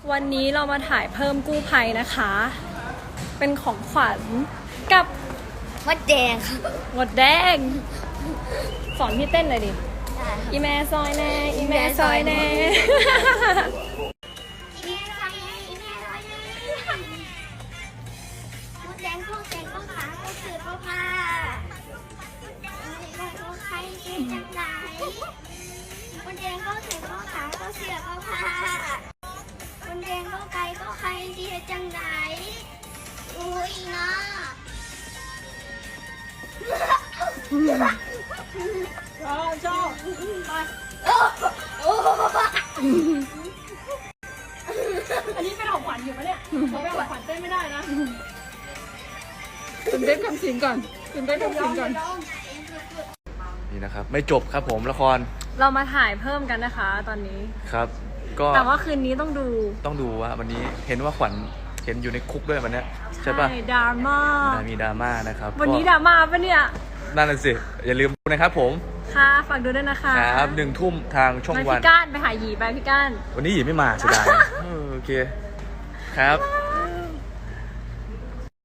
วันนี้เรามาถ่ายเพิ่มกู้ภัยนะคะ เป็นของขวัญกับมดแดงครับหมดแดง สอนพี่เต้นเลยดิได้ครับอีแม่ซอยแน่ อีแม่ซอยแน่มดแดงก็แดงก็ขาก็เสือก็ผ้าก็ใครเก่งจังไหนมดแดงก็เสือก็ขาก็เสือก็ผ้ามดแดงก็ไก่ก็ใครเดียจังไหนอุ้ยนะชอบ อันนี้เป็นของขวัญอยู่ปะเนี่ยผมเป็นของขวัญเต้นไม่ได้นะคุณเต้นคำสิงก่อนคุณเต้นคำสิงก่อนนี่นะครับไม่จบครับผมละครเรามาถ่ายเพิ่มกันนะคะ ตอนนี้ครับ ก็แต่ว่าคืนนี้ต้องดูต้องดูว่าวันนี้เห็นว่าขวัญเห็นอยู่ในคุกด้วยวันเนี้ยใช่ปะดราม่ามีดราม่านะครับวันนี้ดราม่าปะเนี่ยนั่นน่ะสิอย่าลืมดูนะครับผมค่ะฝากดูด้วยนะคะครับ1 ทุ่มทางช่องไปวันพี่ก้านไปหาหยีไปพี่ก้านวันนี้หยีไม่มาเสียดายโอเคครับบ